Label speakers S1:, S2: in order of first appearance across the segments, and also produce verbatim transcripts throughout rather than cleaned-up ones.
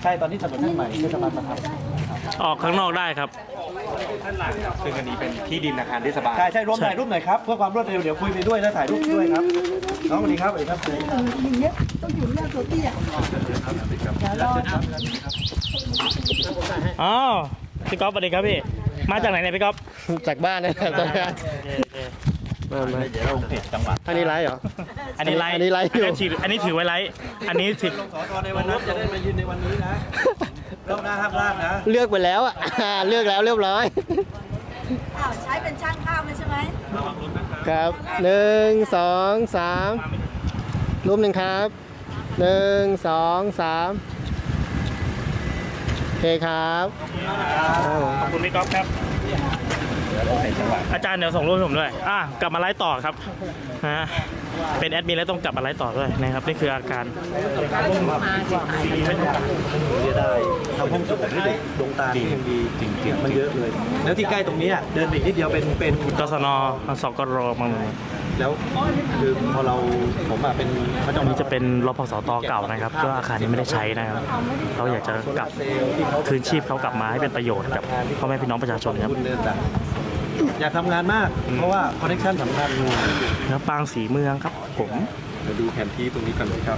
S1: ช่ตอนนี้ถนนเส้นใหม่เทศบาลมาท
S2: ออกข้างนอกได้ครับ
S3: ซึ่งอันนี้เป็นที่ดินอาคารเทศบาล
S1: ำใช่ใช่ร่วมถ่ายรูปหน่อยครับเพื่อความรวดเร็วเดี๋ยวคุยไปด้วยแล้วถ่ายรูปด้วยครับน้องสวัสดีครับสวัสดีครับ
S4: อย่างเงี้ยต้องอยู่หน้าตัวเตี้ยเดี๋ยวรอ
S2: อ๋อพี่ก๊อฟสวัสดีครับพี่มาจากไหนเนี่ยพี่ก๊อฟ
S5: จากบ้านนะครับตอนนี้มามา
S3: เดี๋ยวลงเพจจังหวัด
S5: อันนี้ไลฟ์เหรอ
S2: อันนี้ไลฟ์
S5: อันนี้ไลฟ์อยู่
S2: อันนี้ถืออันนี้ถือไว้ไลฟ์อันนี้ถือ
S1: ลงสอทอในวันนั้นจะได้มายืนในวันนี้นะเริ่มหน้าห้ามพลาดนะ
S5: เลือกไปแล้วอ่ะ เลือกแล้วเรียบร้อย
S4: อ้าวใช้เป็นช่างภาพเลยใช่ไหม
S5: ครับหนึ่งสองสามรูปหนึ่งครับหนึ่งสองสามโอเคครับครับผม
S2: ขอบคุณพี่ก๊อฟครับอาจารย์เดี๋ยวส่งรูปให้ผมด้วยอ่ะกลับมาไลฟ์ต่อครับฮะเป็นแอดมินแล้วต้องกลับมาไลฟ์ต่อด้วยนะครับนี่คืออาการ
S1: เสียดายทำห้องสมุดให้เด็กดวงตาดีดีจริงๆมันเยอะเลย แล้วที่ใกล้ตรงนี้เดินไปอีกนิดเดียวเป็นเป็น
S2: กศนสกรมัง
S1: แล้วคือพอเราผมอะเป็นเขาจะ
S2: อันนี้จะเป็นรพสตเก่านะครับก็อาคารนี้ไม่ได้ใช้นะครับเราอยากจะกลับคืนชีพเขากลับมาให้เป็นประโยชน์กับพ่อแม่พี่น้องประชาชนครับ
S1: คุณเดินต่างอยากทำงานมาก เพราะว่าคอนเนคชั่นสำคัญ
S2: แล้วปางสีเมืองครับผม
S3: มาดูแผนที่ตรงนี้กันครับ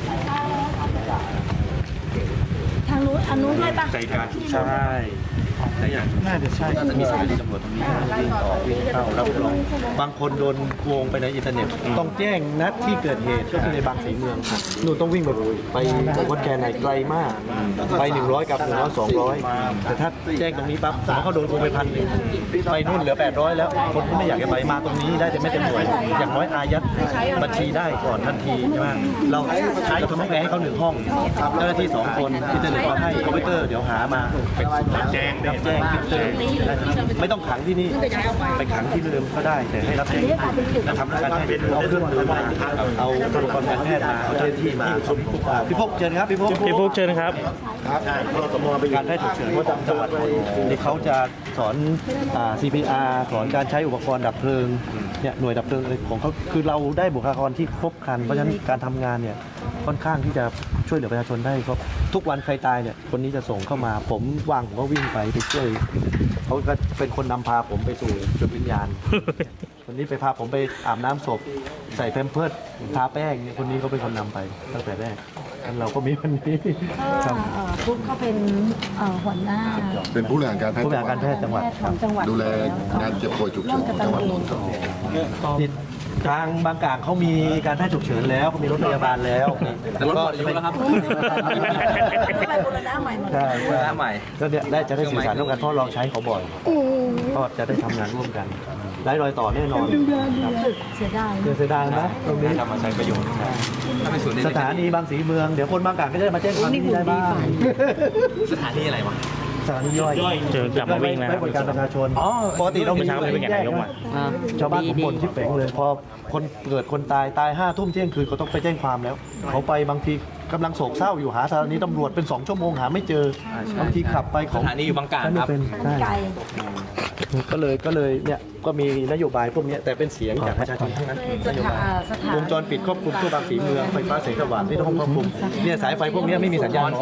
S4: ทางนู้นอันนู้นด้วยปะ
S3: ใจกลางใช่ได้อย่าง
S1: น่าจะใช่น่าจะมีสถานีตำรวจตรงนี้วิ่งออกวิ่งเข้ารับรองบางคนโดนโกงไปในอินเทอร์เน็ต ต้องแจ้งนัดที่เกิดเหตุก็คือในบางสีเมืองครับนู่นต้องวิ่งไปไปวัดแกนไหนไกลมาก ไปหนึ่งร้อยกับหนึ่งร้อยสองร้อยแต่ถ้าแจ้งตรงนี้ปั๊บสมมติเขาโดนโกงไปพันหนึ่งไปนู่นเหลือแปดร้อยแล้วคนที่ไม่อยากจะไปมาตรงนี้ได้แต่ไม่เต็มหน่วยอย่างน้อยอายัดบัญชีได้ก่อนทันทีใช่ไหมเราใช้ทำห้องแอร์ให้เขาหนึ่งห้องเจ้าหน้าที่สองคนอินเทอร์เน็ตก็ให้คอมพิวเตอร์เดี๋ยวหามาแจ้งรับแจ้งพิเตอร์ไม่ต้องขังที่นี่ไปขังที่เดิมก็ได้แต่ให้รับแจ้งแล้วทำการให้เอาเครื่องมือมาเอาอุปกรณ์การแพทย์มาเอาเจ้าหน้าที่มาพี่พกเชิญครับพี่พก
S2: พี่ฟุกเชิญครับ
S1: ใช่สมมติเป็นการแพทย์ฉุกเฉินเขาจังหวัดที่เขาจะสอนอ่า ซี พี อาร์ สอนการใช้อุปกรณ์ดับเพลิงเนี่ยหน่วยดับเพลิงของเขาคือเราได้บุคลากรที่ครบครันเพราะฉะนั้นการทำงานเนี่ยค่อนข้างที่จะช่วยเหลือประชาชนได้ครับทุกวันใครตายเนี่ยคนนี้จะส่งเข้ามาผมว่างผมก็วิ่งไปไปช่วยเขาก็เป็นคนนำพาผมไปสู่จุดวิญญาณ คนนี้ไปพาผมไปอาบน้ำศพใส่แพมเพิร์สทาแป้งเนี่ยคนนี้เขาเป็นคนนำไปตั้งแต่แรกงั้นเราก็มีวันนี้ครับ
S4: เอ่อฟุ๊กเขาเป็นเอ่อหัวหน้า
S6: เป็นผู้บริหารการแพทย์
S1: ผู้บริหารการแพทย์จังหวัด
S4: ของจังหวัด
S6: ดูแลงานเจ็บป่วยฉุกเฉินของจังหวัดนนทบุรี
S1: นี่ทางบางกลางเขามีการแพทย์ฉุกเฉินแล้วเขามีรถพยาบาลแล้วแต่รถหมดอายุแล้วครับ
S4: ไปบูรณะใหม่หมด
S1: ใช่ใช่ใหม่ก็เนี่ยได้จะได้สื่อสารร่วมกันเพราะเราใช้เขาบ่อยก็จะได้ทำงานร่วมกันไร้รอยต่อแน่นอน
S4: เสียดาย
S1: เสียดายนะตรงนี้
S3: นำมาใช้ประโยชน์ถ้าเป็นศูนย์
S1: สถานีบางสีเมืองเดี๋ยวคนบางกลางก็จะได้มาแจ้งความที่นี่ได้บ้าง
S3: สถานีอะไรวะ
S1: สถานีย่อย
S2: เจอกลับมาวิ่งแล้ว
S1: ไว้บริการประชาชนปกติเรา
S2: เมื่อเช้าไม่ได้ไปแข่งนายกมา
S1: ชาวบ้านผมบ่นที่เป๋งเลยพอคนเกิดคนตายตายห้าทุ่มเที่ยงคืนเขาต้องไปแจ้งความแล้ว เขาไปบางทีกำลังโศกเศร้าอยู่หาสถานีตำรวจเป็นสองชั่วโมงหาไม่เจอบางทีขับไปของ
S3: สถานีอยู่บางกลางครับ
S1: เป็นใช่
S4: ไกล
S1: ก็เลยก็เลยเนี่ยก็มีนโยบายพวกเนี้ยแต่เป็นเสียงจากประชาชนทั้งนั้น
S4: ส
S1: นโย
S4: ถา
S1: บาย
S4: สถาน
S1: วงจรปิดควบคุมทั่วบางสีเมืองไฟฟ้าแสงสว่างที่ต้องควบคุมเนี่ยสายไฟพวกเนี้ยไม่มีสัญญาณ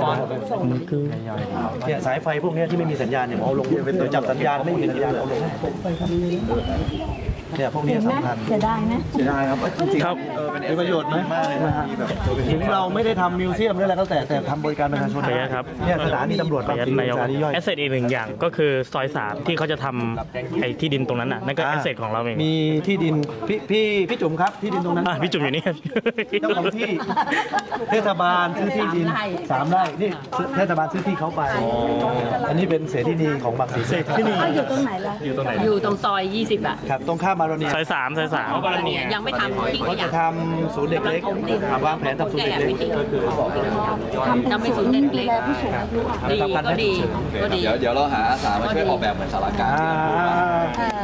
S1: เนี่ยสายไฟพวกเนี้ยที่ไม่มีสัญญาณเนี่ยเอาลงโดยจับสัญญาณไม่มีสัญญาณเอาลงเนี่ยพวกเนี้ย
S4: เห็นไหม
S1: สำคัญ
S4: เสียดายไหม
S1: เสียดายครับจริง
S2: ครับ
S1: ๆมีประโยชน์ไหมถึงเราไม่ได้ทำมิวเซียมหรืออะไรก็แต่แต่ทำบริการประชาชน
S2: ขออนุญาตครับ
S1: เนี่ยสถานีตำรวจ
S2: ขออนุญาต
S1: บางสี
S2: นายก
S1: สถานีย่อย
S2: แอสเซทอีกหนึ่งอย่างก็คือซอยสามที่เขาจะทำไอ้ที่ดินตรงนั้นน่ะนั่นก็แอสเซทของเราเอง
S1: มีที่ดินพี่พี่พี่จุ๋มครับที่ดินตรงนั้น
S2: อ่ะพี่จุ๋มอยู่นี่
S1: เจ้าของที่เทศบาลซื้อที่ดินสามไร่นี่เทศบาลซื้อที่เขาไปอันนี้เป็นเสรีนีของบางสี
S2: เสรีที่นี่
S4: เขาอยู่ตรงไหนล่ะ
S3: อยู่ตรงไหน
S7: อยู่ตรงซอยยี่สิบอ่ะ
S1: ครับตรงข้ามมาโรเนีย
S2: ซอยสามซอยสาม
S7: ยังไม่ทำทิ้ง
S1: เขา
S7: ข
S1: จะ
S7: ยะ
S1: ทำศูนย์เด็กเล็กวางแผนทำศูนย์เด็กเล็กก็คือ
S7: ทำเป็นศูนย์เด็กเล็ก ดีก็ดีก็ดี
S3: เดี๋ยวเดี๋ยวเราหาอาสามาช่วยออกแบบเหมือนสารกลาร
S1: อ่า
S4: เอ่อ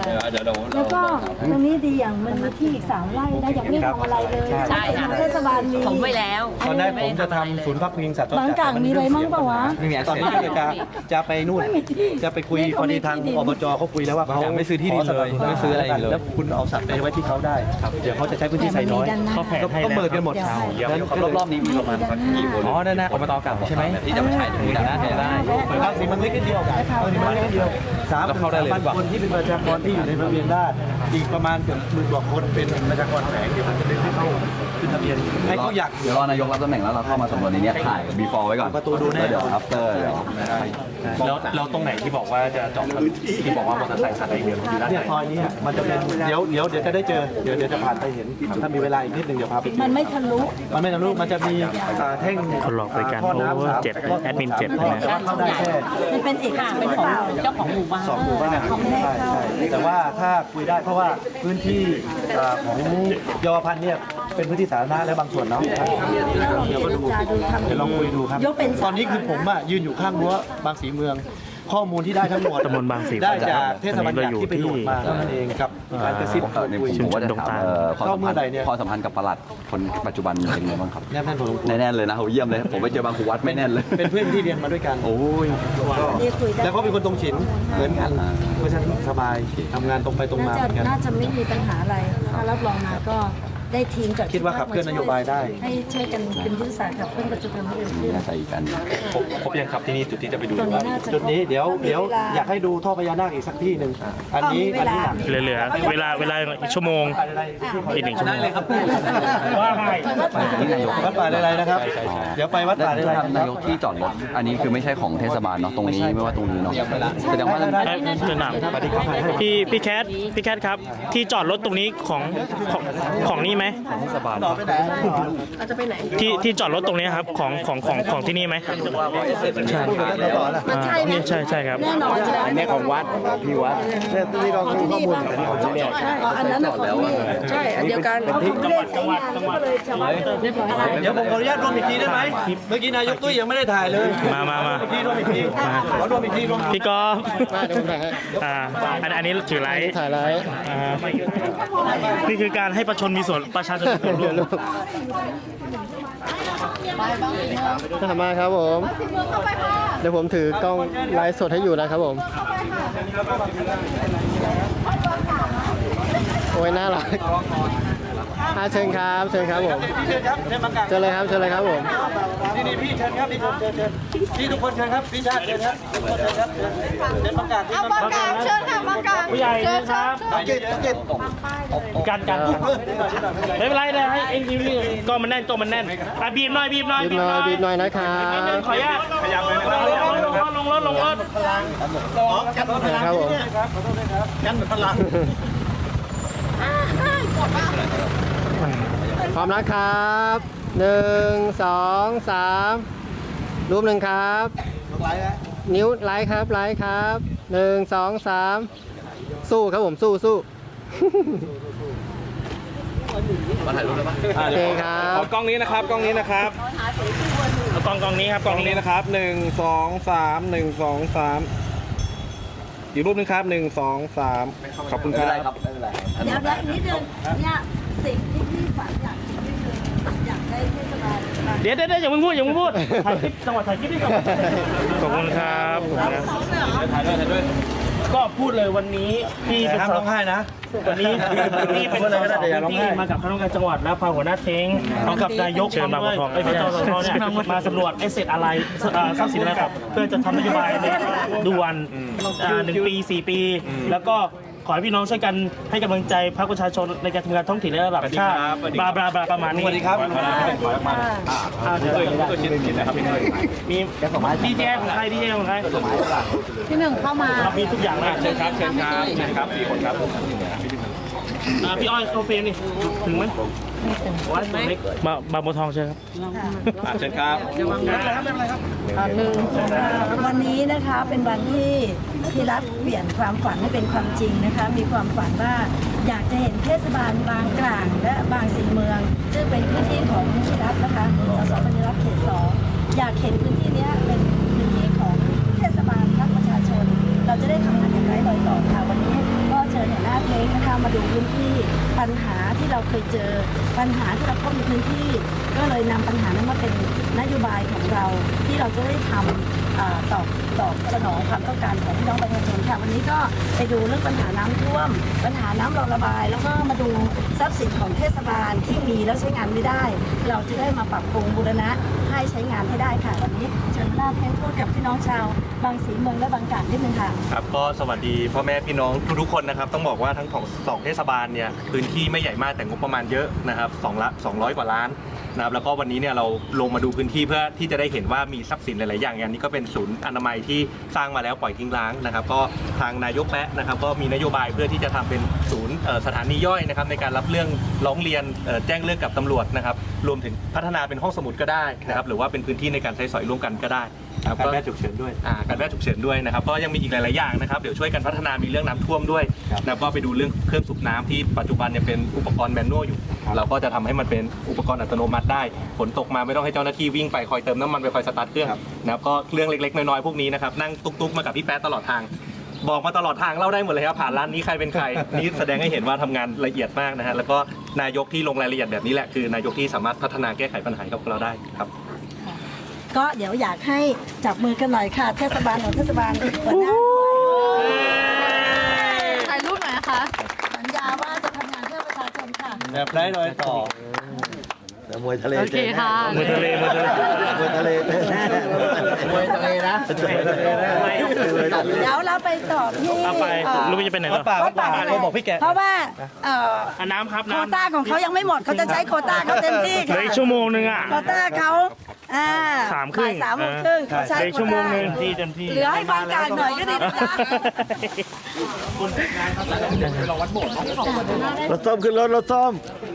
S3: เดี๋ยวเดี๋ยว
S4: แล้วก็ตรงนี้ดีอย่างมันมีที่อีกสามไร่นะยังไม่ทำอะไรเลย
S7: ใช่ค่ะ
S4: เทศบาลมี
S7: ผมไว้แล้ว
S1: ตอนแรกผมจะทำศูนย์พักพิงสัตว์
S4: บางกลางมีอะไรมั่งเปล่าวะ
S3: ไม่มี
S1: ตอนนี้ก็จะจะไปนู่น
S4: ไม่มีที่
S1: จะไปคุยพอดีทางอบจเขาคุยแล้วว่าเขา
S3: ไม่ซื้อที่ดินเลยไม่ซื้ออะไรเลย
S1: แล้วคุณเอาสัตว์ไปไว้ที่เขาได้เดี๋ยวเขาจะใช้พื้นที่ไซน้อย
S2: เขาแผนให้
S1: ก็
S2: แล้ว
S1: เปิดกันหมด
S3: แล้วรอบๆนี้มีประมาณสักกี่คนอ๋อนั่นนะอบตเก่าใช่ไหมที่จะมาใช้ตรงนี้นะได้
S1: บางสีมันเล็กนิดเดียวบางสีมันเล็กนิดเดียวสาม
S3: แล้วเข้าได้เลย
S1: พันคนที่เป็นประชากรที่อยู่ในทะเบียนราษฎร์อีกประมาณเกือบหมื่นกว่าคนเป็นประชากรแฝงเดี๋ยวมันจะได้ให้เข้าขึ้นทะเบียนให้เขาอยาก
S8: เดี๋ยวรอนายกรับตำแหน่งแล้วเราเข้ามาสำรวจในนี้ถ่าย before ไว้ก่อน
S1: ประตูดูแน่
S8: แล้วเดี๋ยว after เดี๋ยว
S2: แล้วแล้วตรงไหนที่บอกว่าจะเจาะที่บอกว่ามอเตอร์ไซค์คันไหนเดียวอยู่ด้านไห
S1: เนี่ย
S2: น
S1: ซอยนี้มันจะเป็นเดี๋ยวเดี๋ยวเดี๋ยวจะได้เจอเดี๋ยวเดี๋ยวจะผ่านไปเห็นถ้ามีเวลาอีกนิดนึงเดี๋ยวพาไป
S4: มันไม่ทะลุ
S1: มันไม่ทะลุมันจะมีอ่าแท่ง
S2: คนหลอกบริการ
S1: ท่อน้ำ
S2: โอเวอร์
S1: สาม
S2: เจ็ด
S1: ท่
S2: แอดมินเจ็ด
S1: ท่อ
S2: นะ
S1: แต่ว่าเข้าได้แค่
S4: มันเป็นเอก
S7: ค่ะ
S4: ชน
S7: เป็น
S4: หรือ
S7: ของ
S4: เปล่า
S7: เจ้าของหมู่บ้าน
S1: สองหมู่บ้านใช่ใช่แต่ว่าถ้าคุยได้เพราะว่าพื้นที่อ่าของเยาวพันธ์เนี่ยเป็นพื้นที่สาธารณะและบางส่วนเนาะเดี๋ยวก็ดูเดี๋ยวลองคุยดูครับ
S4: ยกเป็น
S1: ตอนนี้คือผมอ่ะยืนอยู่ข้างรั้วบางสีเมือง ข้อมูลที่ได้ทั้งหมด
S2: ตำบลบางสี
S1: ได้จากเทศบาลใหญ่ที่ไปโหลดมาเท่านั้นเองกับการกระซิบ
S8: เออในผมผมว่าจะถามเอ่อความสัมพันธ์ความสัมพันธ์กับปลัดคนปัจจุบันเป็นไงบ้างครับ
S1: แน่นๆผม
S8: แน่นๆเลยนะโหเยี่ยมเลย ผมไปเจอบางครูวัดไม่แน่นเลย
S1: เป็นเพื่อนที่เรียนมาด้วยกัน
S8: โอ้ย
S4: นี่คุยได้
S1: แล้วเขาเป็นคนตรงฉินเหมือนกันเพราะฉะนั้นสบายทำงานตรงไปตรงมา
S4: น่า
S1: เหมือนกัน
S4: จะน่าจะไม่มีปัญหาอะไร ถ้ารับรองมาก็ได้ทีมกับ
S1: คิดว่าขับเคลื่อนนโยบายได้
S4: ให้ช่วยกันเป็นยุทธศาสตร์ขับเคลื่อนปัจจุบันให้เร็วขึ้น
S8: น่าใส่อีกกัน
S3: ครบครบยังครับที่นี่จุดที่จะไปดู
S4: ตรงนี้น่าจะ
S1: จุดนี้เดี๋ยวเดี๋ยวอยากให้ดูท่อพญานาคอีกสักที่หนึ่งอันนี้
S4: อ๋อมีเว
S1: อัน
S4: ลา
S1: นี้หนัก
S2: เหลือเหลือเวลาเวลาอีกชั่วโมงอีกหนึ่งชั่วโมง
S3: เลยครับ
S2: ว่าไง
S1: วัดป่าอะไรนะครับ เดี๋ยวไปวัดป่าอะไร
S8: นายกที่จอดรถอันนี้คือไม่ใช่ของเทศบาลเนาะตรงนี้ไม่ว่าตรงนี้เนาะแสดงว่า
S2: เอ้ยเชิญหนามพี่พี่แคทพี่แคทครับ ที่จอดรถตรงนี้ของของของนี่ไหม
S1: ต่อไปไหน
S2: ที่ที่จอดรถตรงนี้ครับของของของของที่นี่ไหมใช่
S1: ต่อละ
S2: อ่านี่ใช่ใช่ครับ
S4: แน่นอนใช่ไหม
S8: อันนี้ของวัดพี่วัด
S1: เนี่ยที่เราคือข้อมูลแต่นี่ของเนี่ย
S4: อ๋ออันนั้นของพี่ใช่อันเดียวกันเขาไม่ได้ใช้งานก็เลยชาวบ้านเรียบร้อย
S1: เดี๋ยวผมขออนุญาตรวมอีกทีได้ไหมเมื่อกี้นายกตุ้ยยังไม่ได้ถ่ายเลย
S2: มามามา
S1: รวมอีกทีรวมอีกทีขอรวมอีกทีรวมอีกที
S2: พี่กอล์ฟ
S5: มาเดี๋ยวผมถ่ายให้
S2: อ่าอันอันนี้ถือไลท์
S5: ถ่ายไลฟ์
S2: อ่านี่คือการให้ประชาชนมีส่วนประชาชนมีส่วนร่วม
S5: ถ้ามาครับผม เดี๋ยวผมถือกล้องไลฟ์สดให้อยู่นะครับผม โอ้ยน่ารักอ่ะเชิญครับเชิญครับผม
S1: พี่เชิญครับเชิญมากาง
S5: เชิญเลยครับเชิญเลยครับผม
S1: นี่นี่พี่เชิญครับพี่เชิญเชิญเชิญพี่ทุกคนเชิญครับพี่ชาติเชิญครับทุกคนเชิญครับเชิญเชิญมากางที่มากาง
S4: เชิญค่ะมากาง
S2: ผู้ใหญ่นะครับ
S1: เก็บเก็บ
S2: กันกันไม่เป็นไรเลยให้เอ็นทีวีกล้องมันแน่นกล้องมันแน่นอ่ะบีบหน่อยบีบหน่อย
S5: บีบหน่อยบีบหน่อยนะครับ
S2: ขออนุญาตขยับเลยนะครับลงรถลงรถ
S5: ครับผม
S1: กันพลัง
S5: พร้อมนะครับหนึ่งสองสามรูปหนึ่งครับ นิ้วไลค์ครับไลค์ครับหนึ่งสองสามสู้ครับผมสู้สู้
S3: มาถ่ายรูปเลยปะ
S5: โอเคครับ
S3: กล้องนี้นะครับกล้องนี้นะครับ
S2: เอากล้องกล้องนี้ครับก
S3: ก
S2: ล้
S3: ล้
S2: อ
S3: อง ง
S2: นี้
S3: นี้นะครับหนึ่งสองสามหนึ่งสองสามอีกรูปหนึงครับหนึ่งสองสามขอบคุณครับ
S4: เดี๋ยวแล้วนิดนึงเนี่ยสิ่งที่พี่ฝันอยากที่คืออยากได้เทศบาลมา
S2: เดี๋ยวเดี๋ยวเดี๋ยวอย่าเพิ่งพูดอย่าเพิ่งพูดถ่ายคลิปจังหวะถ่ายคลิปนี่ก่อนขอบคุณครับขอบคุณครับ
S3: ถ่ายด้วยถ่ายด้วย
S2: ก็พูดเลยวันนี้พี่
S1: แต่
S2: เป็น
S1: ห้าม
S2: ส
S1: ร้องไห้นะ
S2: วันนี้พี่เป็นสสที่มากับคณะกรรมการจังหวัดและพาหัวหน้าเท้งพร้อมกับนายกพร้อมด้วยไอ้พระเจ้าสทเนี่ยมาสำรวจไอ้เสร็จอะไรเอ่อทรัพย์สินอะไรครับเพื่อจะทำนโยบายในด่วนอ่าหนึ่งปีสี่ปี แล้วก็ขอให้พี่น้องช่วยกันให้กำลังใจพรรคประชาชนในการทำงานท้องถิ่นและระดับชาติบลาบลาบลาประมาณนี้
S1: สวัสดีครับ
S2: อ่าเดี๋ยวมีดีเจของใครดีเจของใคร
S4: ที่หนึ่งเข้ามา
S2: เรามีทุกอย่างเลย
S3: เชิญครับเชิญครับเชิญครับสี่คนครับ
S2: อ่าพี่อ้อยเข้าเฟรมนี่ถึงไหมมาบางบัวทองใช่ครับ
S3: อ่ะเชิญครับ
S4: วันนี้นะคะเป็นวันที่พี่รัฐเปลี่ยนความฝันให้เป็นความจริงนะคะ มีความฝันว่าอยากจะเห็นเทศบาลบางกลางและบางสีเมือง ซึ่งเป็นพื้นที่ของพี่รัฐนะคะสสปฏิรัฐเขตสองอยากเห็นพื้นที่เนี้ยเป็นพื้นที่ของเทศบาลรัฐประชาชน เราจะได้ทำงานอย่างไรลอยต่อค่ะวันนี้ก็เชิญเห็นเคยเจอปัญหาที่เราพบในพื้นที่ ก็เลยนำปัญหานั้นมาเป็นนโยบายของเราที่เราจะได้ทำเอ่อตอบตอบสนองความต้องการของพี่น้องประชาชนค่ะวันนี้ก็ไปดูเรื่องปัญหาน้ำท่วม ปัญหาน้ำรอระบาย แล้วก็มาดูทรัพย์สินของเทศบาลที่มีแล้วใช้งานไม่ได้ เราจะได้มาปรับปรุงบูรณะให้ใช้งานให้ได้ค่ะวันนี้เชิญหน้าแทนพูดกับพี่น้องชาวบางสีเมืองและบางกาฬนิดนึงค่ะ
S9: ครับก็สวัสดีพ่อแม่พี่น้องทุกๆคนนะครับต้องบอกว่าทั้งของสองเทศบาลเนี่ยพื้นที่ไม่ใหญ่มากแต่งบประมาณเยอะนะครับสองละสองร้อยกว่าล้านนะครับแล้วก็วันนี้เนี่ยเราลงมาดูพื้นที่เพื่อที่จะได้เห็นว่ามีทรัพย์สินหลายๆอย่างอย่างนี้ก็เป็นศูนย์อนามัยที่สร้างมาแล้วปล่อยทิ้งร้างนะครับก็ทางนายกแปะนะครับก็มีนโยบายเพื่อที่จะทำเป็นศูนย์เอ่อสถานีย่อยนะครับในการรับเรื่องร้องเรียนเอ่อแจ้งเรื่องกับตำรวจนะครับรวมถึงพัฒนาเป็นห้องสมุดก็ได้นะครับหรือว่าเป็นพื้นที่ในการใช้สอยร่วมกันก็ได้
S1: การแพทย์ฉุกเฉินด้วย
S9: อ่าการแพทย์ฉุกเฉินด้วยนะครับก็ยังมีอีกหลายๆอย่างนะครับเดี๋ยวช่วยกันพัฒนามีเรื่องน้ำท่วมด้วยแล้วก็ไปดูเรื่องเครื่องสูบน้ำที่ปัจจุบันเนี่ยเป็นอุปกรณ์แมนนวลอยู่ เราก็จะทำให้มันเป็นอุปกรณ์อัตโนมัติได้ฝนตกมาไม่ต้องให้เจ้าหน้าที่วิ่งไปคอยเติมน้ำมันไปคอยสตาร์ทเครื่องนะครับก็เรื่องเล็กๆน้อยๆพวกนี้นะครับนั่งตุ๊กๆมากับพี่แป๊ะตลอดทางบอกมาตลอดทางเล่าได้หมดเลยครับผ่านร้านนี้ใครเป็นใคร นี่แสดงให้เห็นว่าทำงานละเอียดมากนะฮะแล้วก็นายกที่ลงรายละเอียดแบบนี้แหละคือนายกที่สามารถพัฒนาแก้ไขปัญหากับเราได้ครับ
S4: ก็เดี๋ยวอยากให้จับมือกันหน่อยค่ะ เทศบาลของเทศบาลหัวหน้า
S7: ถ่ายรูปหน่อยนะคะ
S4: สัญญาว่าจะทำงานเพื่อประชาชนค่ะ
S1: แบบไร้รอยต่อแต่มวยทะเล
S7: โอเคค่ะ
S2: มือทะเลมือทะเล
S1: มวยทะเลมวยทะเลนะมวยทะเลนะ
S4: เดี๋ยวเราไปต่อที่
S2: เอาไป
S4: เอ่อ
S2: ลูกจะไปไหน
S1: วั
S2: ล่ะ
S1: ดป่าวัดป่าเขาบอกพี่แก
S4: เพราะว่าเอ่อ
S2: อ่ะน้ำครับ
S4: โคว
S2: น้ำ
S4: ต้าของเขายังไม่หมดเขาจะใช้โควต้าเขาเต็มที่
S2: เหลื
S4: ค่ะ
S2: ออีกชั่วโมงนึงอ่ะ
S4: โควต้าเขาอ่า
S2: สามครึ่ง
S4: บ่ยสามโมงครึ่งเขาใช้
S2: เหลืออีก
S4: โคว
S2: ชั่วโม
S4: ต้าง
S2: นึงที่เต็มที่
S4: เหลือให้บางการหน่อยก็ดีนะจ๊ะ
S1: รถส้มขึ้นรถรถส้ม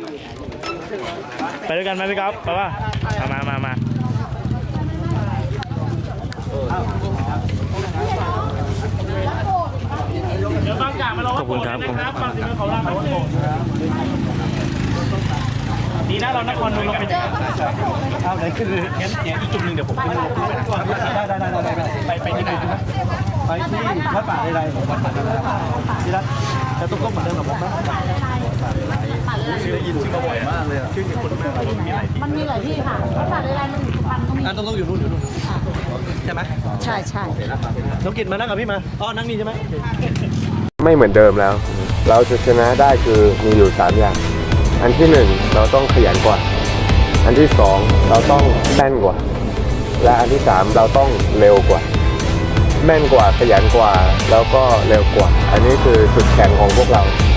S2: ไปด้วยกันไหมพี่ก๊อฟไปป่ะมามามาเดี๋ยวบางจากมาเราขอบคุณครับบางสิ่งของเราดีนะเรานครนนท์เราไปเจอ
S1: เอาไหนขึ้นเลยงั้นเดี๋ยวอีกจุดหนึ่งเดี๋ยวผมขึ้นลงขึ้นไปได้ได้ได้ได้ไปไปที่ไหนไปที่วัดป่าใดๆผมวัดป่าใดๆที่รัฐจะต้องก้มเหมือนเดิมกับผมนะชื่อได้ยินชื่อมาบ่อยมากเลยชื่อคนเมืองเรามีหลายที่
S7: มันมีหลายที่ค่ะภาษาใดๆมันอยู่สุพรรณก็มี
S1: อ่ะต้องต้องอยู่นู่นอยู่นู่นใช่ไหม
S4: ใช่ใช่
S1: น้องกิตมานั่งกับพี่มาอ๋อนั่งนี่ใช่ไหม
S10: ไม่เหมือนเดิมแล้ว เราจะชนะได้คือมีอยู่สามอย่าง อันที่หนึ่งเราต้องขยันกว่า อันที่สองเราต้องแม่นกว่า และอันที่สามเราต้องเร็วกว่า แม่นกว่าขยันกว่าแล้วก็เร็วกว่า อันนี้คือจุดแข็งของพวกเรา